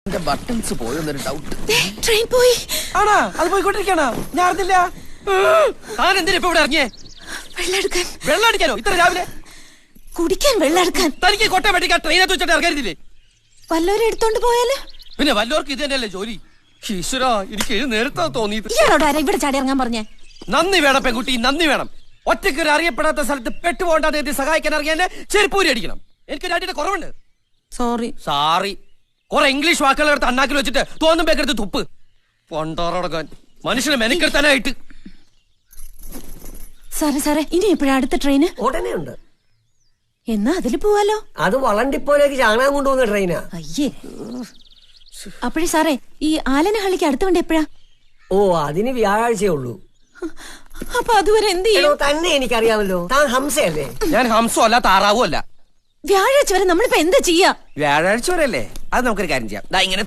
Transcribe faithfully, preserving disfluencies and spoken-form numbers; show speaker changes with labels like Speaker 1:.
Speaker 1: Buttons പോയെന്നൊരു doubt.
Speaker 2: Train പോയി
Speaker 3: ആണാ? അത് പോയിക്കൊണ്ടിരിക്കണ ഞാൻ അറിഞ്ഞില്ല. താൻ എന്തിനാ ഇപ്പൊ ഇവിടെ ഇറങ്ങിയേ?
Speaker 2: വെള്ളം എടുക്കാൻ.
Speaker 3: വെള്ളം അടിക്കാനോ ഇത്ര രാവിലെ?
Speaker 2: കുടിക്കാൻ വെള്ളം എടുക്കാൻ.
Speaker 3: തനിക്ക് കോട്ടയം വെട്ടിക്കാൻ ട്രെയിനകത്ത് വെച്ചിട്ട് ഇറങ്ങരുതില്ലേ?
Speaker 2: വല്ലവരും എടുത്തോണ്ട് പോയാല്?
Speaker 3: പിന്നെ വല്ലവർക്ക് ഇത് തന്നെയല്ലേ ജോലി. ഈശ്വര, എനിക്ക് ഇത് നേരത്തെ തോന്നിയത്.
Speaker 2: ഇയാളോട് ആരാ ഇവിടെ ചാടി ഇറങ്ങാൻ പറഞ്ഞേ?
Speaker 3: നന്ദി വേണം പെൺകുട്ടി, നന്ദി വേണം. ഒറ്റയ്ക്ക് ഒരു അറിയപ്പെടാത്ത സ്ഥലത്ത് പെട്ടുപോകേണ്ടത് എത്തി സഹായിക്കാൻ ഇറങ്ങിയ ചെരുപ്പൂരി അടിക്കണം. എനിക്ക് രണ്ടിന്റെ കുറവുണ്ട്.
Speaker 2: Sorry
Speaker 3: sorry. കുറെ ഇംഗ്ലീഷ് വാക്കുകൾ എടുത്ത് അണ്ണാക്കിൽ വെച്ചിട്ട് തോന്നും പേക്കെടുത്ത് തുപ്പ്. പൊണ്ടോറടക്കാൻ മനുഷ്യനെ മെനക്കെടുത്താനായിട്ട്.
Speaker 2: സാറേ സാറേ, ഇനി എപ്പോഴാ അടുത്ത ട്രെയിന്?
Speaker 4: ഉടനെ ഉണ്ട്.
Speaker 2: എന്നാ അതില് പോവാലോ.
Speaker 4: അത് വളണ്ടിപ്പോലേക്ക് ചാണകം കൊണ്ടുപോകുന്ന ട്രെയിനാ.
Speaker 2: അയ്യേ. അപ്പോഴേ സാറേ, ഈ ആലനഹള്ളിക്ക് അടുത്ത വണ്ടി എപ്പോഴാ?
Speaker 4: ഓ, അതിന് വ്യാഴാഴ്ചയേ ഉള്ളൂ.
Speaker 2: അപ്പൊ അതുവരെ എന്ത് ചെയ്യും?
Speaker 4: തന്നെ എനിക്കറിയാമല്ലോ, താൻ ഹംസയല്ലേ?
Speaker 3: ഞാൻ ഹംസോ അല്ല താറാവോ അല്ല.
Speaker 2: വ്യാഴാഴ്ച വരെ നമ്മളിപ്പോ എന്താ ചെയ്യാ?
Speaker 1: വ്യാഴാഴ്ച വരെ അല്ലേ? അത് നമുക്കൊരു കാര്യം ചെയ്യാം. ദാ ഇങ്ങനെ